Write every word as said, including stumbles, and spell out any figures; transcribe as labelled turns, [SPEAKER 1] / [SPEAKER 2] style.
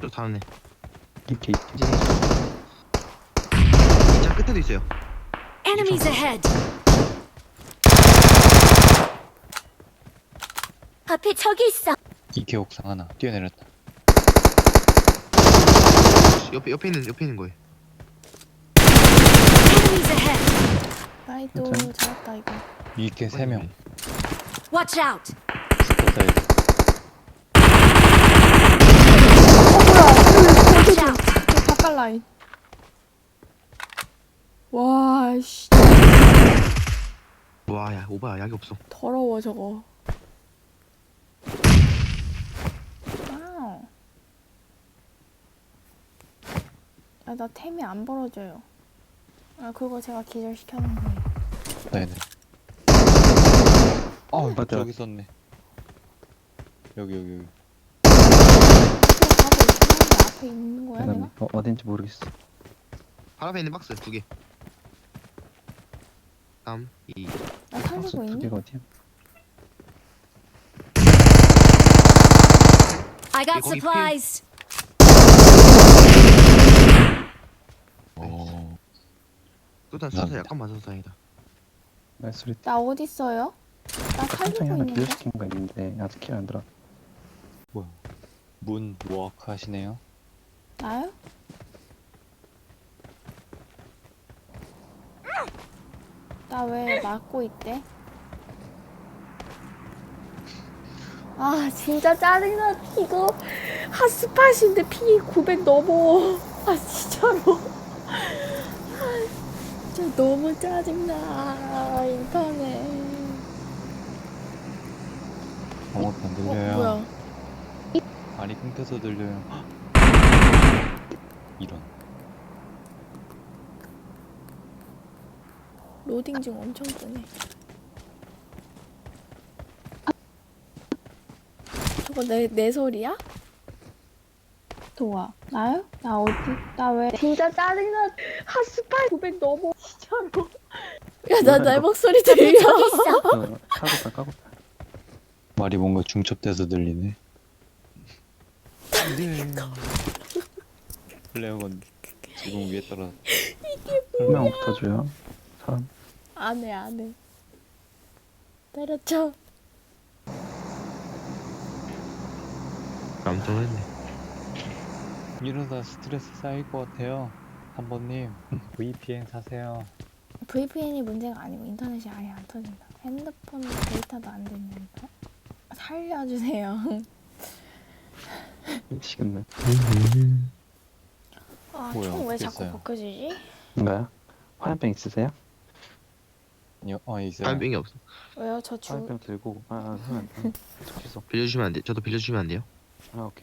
[SPEAKER 1] 저 다음에
[SPEAKER 2] 이렇게 있지.
[SPEAKER 1] 이제 자 끝에도 있어요.
[SPEAKER 3] Enemies ahead. 앞에 적이 있어.
[SPEAKER 2] 이케 옥상 하나 뛰어내렸다.
[SPEAKER 1] 옆에 옆에 있는 옆에 있는 거예요.
[SPEAKER 3] Enemies ahead.
[SPEAKER 4] 나이도
[SPEAKER 2] 괜찮아?
[SPEAKER 4] 잘했다 이거.
[SPEAKER 2] 이케 세 명.
[SPEAKER 3] Watch out.
[SPEAKER 2] 스포 사이드.
[SPEAKER 3] Watch out.
[SPEAKER 4] 저 바깥 라인. 와, 씨.
[SPEAKER 1] 와야 오바야 약이 없어.
[SPEAKER 4] 더러워 저거. 와우. 아, 나 템이 안 벌어져요. 아, 그거 제가 기절시켜놓은 거예요.
[SPEAKER 2] 네네. 어
[SPEAKER 5] 맞아.
[SPEAKER 2] 저기 있었네. 여기 여기 여기.
[SPEAKER 4] 그거 가고 있긴 한데 앞에 있는 거야
[SPEAKER 5] 그다음에
[SPEAKER 4] 내가?
[SPEAKER 5] 어, 어딘지 모르겠어.
[SPEAKER 1] 바로 앞에 있는 박스 두 개. 삼, 이.
[SPEAKER 4] 나
[SPEAKER 5] 박스
[SPEAKER 4] 살리고
[SPEAKER 5] 두
[SPEAKER 4] 있니?
[SPEAKER 5] 개가 어디야?
[SPEAKER 3] I got
[SPEAKER 1] 거기
[SPEAKER 3] supplies.
[SPEAKER 2] 오.
[SPEAKER 1] 쏘다 쏘다
[SPEAKER 2] 감사합니다.
[SPEAKER 1] 약간 맞아서 다행이다.
[SPEAKER 5] 말소리.
[SPEAKER 4] 나 어디 있어요? 나
[SPEAKER 5] 한창에
[SPEAKER 4] 살리고
[SPEAKER 5] 하나
[SPEAKER 4] 있는데.
[SPEAKER 5] 기절시킨 거 있는데 아직 킬 안 들어.
[SPEAKER 2] 뭐야? 문 워크 하시네요.
[SPEAKER 4] 나요? 나 왜 막고 있대? 아 진짜 짜증나. 이거 핫스팟인데 피 구백 넘어. 아 진짜로. 아, 진짜 너무 짜증나 인터넷.
[SPEAKER 2] 아무것도 안
[SPEAKER 4] 어
[SPEAKER 2] 들려요.
[SPEAKER 4] 뭐야?
[SPEAKER 2] 말이 끊겨서 들려요. 헉! 이런.
[SPEAKER 4] 로딩 중 엄청 뜨네. 저거 내, 내 소리야? 도와. 나요? 나 어디? 나 왜? 진짜 짜증나. 핫스팟 구백 넘어. 진짜로. 야, 나 내 목소리 들려.
[SPEAKER 5] 어, 까고다 까고다.
[SPEAKER 2] 말이 뭔가 중첩돼서 들리네. 네. 플레어건 지금 위에 떨어.
[SPEAKER 5] 한 명 붙어줘요. 사람.
[SPEAKER 4] 안 해, 안 해. 때려쳐.
[SPEAKER 1] 깜짝 놀랐네.
[SPEAKER 2] 이러다 스트레스 쌓일 것 같아요. 한 번님 브이피엔 사세요.
[SPEAKER 4] 브이피엔이 문제가 아니고 인터넷이 아예 안 터진다. 핸드폰 데이터도 안 된다니까. 살려주세요.
[SPEAKER 5] 미치겠네.
[SPEAKER 4] 아,
[SPEAKER 2] 뭐야,
[SPEAKER 4] 총 왜
[SPEAKER 2] 어떻게
[SPEAKER 4] 자꾸
[SPEAKER 2] 했어요?
[SPEAKER 4] 벗겨지지?
[SPEAKER 5] 뭔가요? 화염병 있으세요?
[SPEAKER 2] 아니요, 어 있어요.
[SPEAKER 1] 화염병이 없어.
[SPEAKER 4] 왜요? 저 주...
[SPEAKER 5] 화염병 들고 아 하면 안 돼. 좋겠어.
[SPEAKER 1] 빌려주시면 안 돼. 저도 빌려주시면 안 돼요?
[SPEAKER 5] 아 오케이.